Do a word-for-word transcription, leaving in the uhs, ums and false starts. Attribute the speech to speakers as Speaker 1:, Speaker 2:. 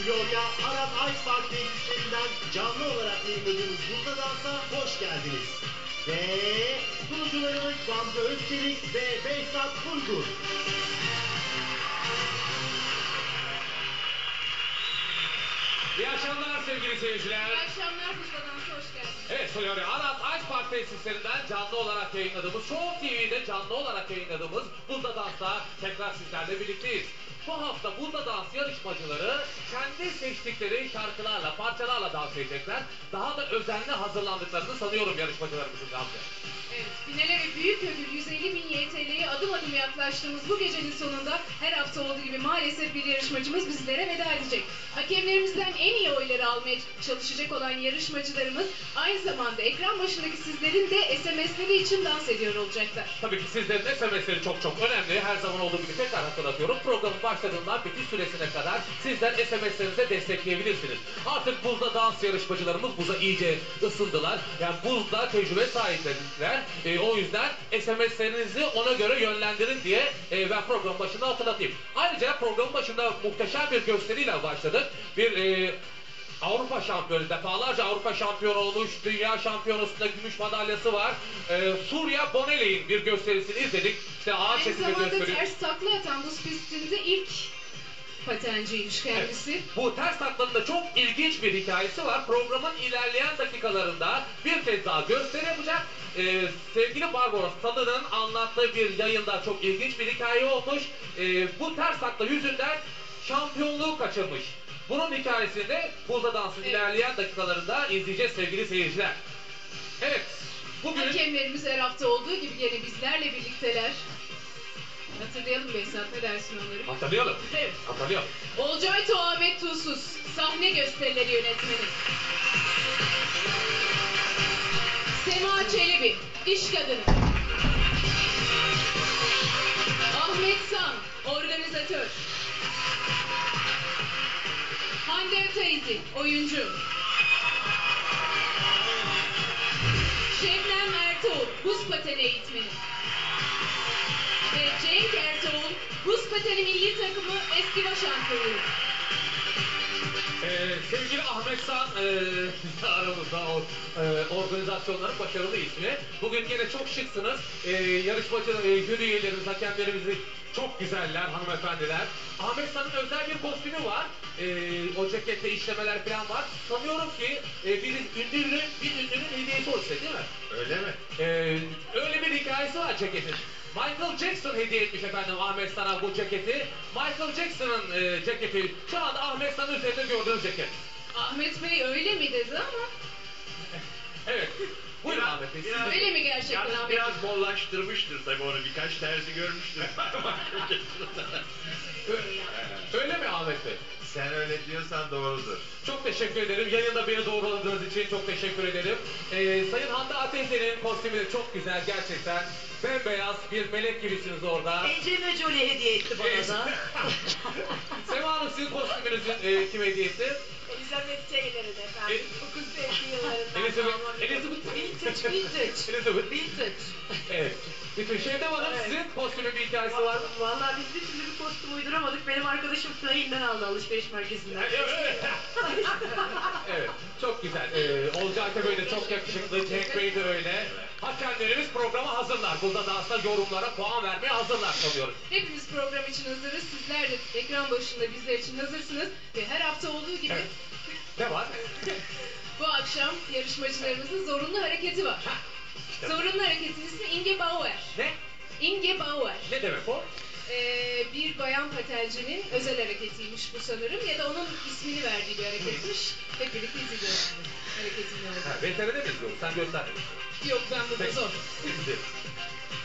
Speaker 1: Florya Arap Ice Park tesislerinden canlı olarak yayınladığımız Burada Dans'a hoş geldiniz. Ve sunucularımız Gamze Özçelik ve Behzat Uygur.
Speaker 2: İyi akşamlar sevgili seyirciler.
Speaker 3: İyi akşamlar, Burada Dans'a hoş geldiniz.
Speaker 2: Evet, Florya Arap Ice Park tesislerinden canlı olarak yayınladığımız, Show T V'de canlı olarak yayınladığımız Burada Dans'ta tekrar sizlerle birlikteyiz. Bu hafta Burada Dans yarışmacıları kendi seçtikleri şarkılarla, parçalarla dans edecekler. Daha da özenli hazırlandıklarını sanıyorum yarışmacılarımızın Gamze.
Speaker 3: Evet, finale ve büyük ödül yüz elli bin Y T L'ye adım adım yaklaştığımız bu gecenin sonunda her hafta olduğu gibi maalesef bir yarışmacımız bizlere veda edecek. Hakemlerimizden en iyi oyları almaya çalışacak olan yarışmacılarımız aynı zamanda ekran başındaki sizlerin de S M S'leri için dans ediyor olacaklar.
Speaker 2: Tabii ki sizlerin S M S'leri çok çok önemli. Her zaman olduğu gibi tekrar hatırlatıyorum. Programın başladığından bitiş süresine kadar sizler S M S'lerinize destekleyebilirsiniz. Artık buzda dans yarışmacılarımız buza iyice ısındılar. Yani buzda tecrübe sahipleriler. E, o yüzden S M S'lerinizi ona göre yönlendirin diye e, ben program başında hatırlatayım. Ayrıca programın başında muhteşem bir gösteriyle başladık. Bir e, Avrupa şampiyonu, defalarca Avrupa şampiyonu olmuş, dünya şampiyonasında gümüş madalyası var. Ee, Suriye Bonelli'nin bir gösterisini izledik. İşte ağır
Speaker 3: Aynı
Speaker 2: çekimde
Speaker 3: zamanda
Speaker 2: gösteriyor.
Speaker 3: ters takla atan buz pistinde ilk patenciymiş kendisi.
Speaker 2: Evet, bu ters taklanın da çok ilginç bir hikayesi var. Programın ilerleyen dakikalarında bir kez daha gösteri yapacak. Ee, sevgili Barbaros Tadı'nın anlattığı bir yayında çok ilginç bir hikaye olmuş. Ee, bu ters takla yüzünden şampiyonluğu kaçırmış. Bunun hikayesini de Burada Dans'ın evet. ilerleyen dakikalarında izleyeceğiz sevgili seyirciler. Evet, bugün...
Speaker 3: Hakemlerimiz her hafta olduğu gibi yine bizlerle birlikteler. Hatırlayalım Behzat, ne dersin onları?
Speaker 2: Hatırlayalım.
Speaker 3: Evet.
Speaker 2: Hatırlayalım.
Speaker 3: Olcay Tuğ Ahmet Tuğsuz, sahne gösterileri yönetmeni. Sema Çelebi, iş kadını. Ahmet San, organizatör. Hande Öteyzi, oyuncu. Şebnem Ertuğrul, buz pateni eğitmeni. Ve Cenk Ertuğrul, buz pateni milli takımı eski baş antrenörü.
Speaker 2: Ee, sevgili Ahmet San, e, aramızda o e, organizasyonların başarılı ismi. Bugün yine çok şıksınız. E, yarışmacı, e, jüri üyelerimiz, hakemlerimiz çok güzeller hanımefendiler. Ahmet San'ın özel bir kostümü var. E, o cekette işlemeler falan var. Sanıyorum ki e, bir ünlünün, bir ünlünün hediyesi o size değil mi?
Speaker 1: Öyle mi?
Speaker 2: E, öyle bir hikayesi var ceketin. Michael Jackson hediye etmiş efendim Ahmet San'a bu ceketi. Michael Jackson'ın e, ceketi. Şu anda Ahmet San'ın üzerinde gördüğünüz ceket.
Speaker 3: Ahmet Bey öyle mi dedi ama?
Speaker 2: Evet. Buyurun
Speaker 1: Biraz-
Speaker 2: Ahmet Bey.
Speaker 1: biraz-
Speaker 2: siz de-
Speaker 3: Öyle mi gerçekten
Speaker 1: Yalnız
Speaker 3: Ahmet Bey?
Speaker 1: biraz bollaştırmıştır tabii, onu birkaç terzi görmüştür.
Speaker 2: Ö- Öyle mi Ahmet Bey?
Speaker 1: Sen öyle diyorsan doğrudur.
Speaker 2: Çok teşekkür ederim. Yayında beni doğruladığınız için çok teşekkür ederim. Ee, Sayın Hande Ateşler'in kostümü de çok güzel gerçekten. Bembeyaz bir melek gibisiniz orada.
Speaker 4: Angelina Jolie hediye etti bana
Speaker 2: Evet.
Speaker 4: da.
Speaker 2: Sema Hanım sizin kostümünüzün e, kim hediye etti?
Speaker 4: Elizabeth Taylor'ın efendim.
Speaker 2: E-
Speaker 4: dokuz yüz elli yıllarından
Speaker 2: Elizabeth-
Speaker 4: kalma bir-
Speaker 2: Elizabeth-
Speaker 4: Vintage, vintage.
Speaker 2: Elizabeth.
Speaker 4: Vintage.
Speaker 2: Evet. Bütün Şevdem Hanım
Speaker 4: Evet.
Speaker 2: sizin kostümün bir hikayesi var mı?
Speaker 4: Vallahi biz bir türlü bir kostüm uyduramadık. Benim arkadaşım Flynn'den aldı alışveriş merkezinden.
Speaker 2: Evet. Evet, çok güzel. Ee, Olcay Tepe de çok yakışıklı, Cenk Bey de öyle. Hakemlerimiz programa hazırlar. Burada da aslında yorumlara puan vermeye hazırlar sanıyoruz.
Speaker 3: Hepimiz program için hazırız. Sizler de ekran başında bizler için hazırsınız. Ve her hafta olduğu gibi
Speaker 2: Evet. Ne var?
Speaker 3: bu akşam yarışmacılarımızın zorunlu hareketi var.
Speaker 2: İşte
Speaker 3: Zorunlu hareketin ismi Inge Bauer.
Speaker 2: ne?
Speaker 3: Inge Bauer.
Speaker 2: Ne demek o?
Speaker 3: Ee, bir bayan patencinin özel hareketiymiş bu sanırım. Ya da onun ismini verdiği bir hareketmiş. Hep birlikte izleyeceğiz şimdi. Hareketin ne
Speaker 2: Ha,
Speaker 3: olduğunu.
Speaker 2: V T R'de mi izliyoruz? Sen göster.
Speaker 3: Yok, ben burada
Speaker 2: Peki.
Speaker 3: zor.
Speaker 2: Şimdi,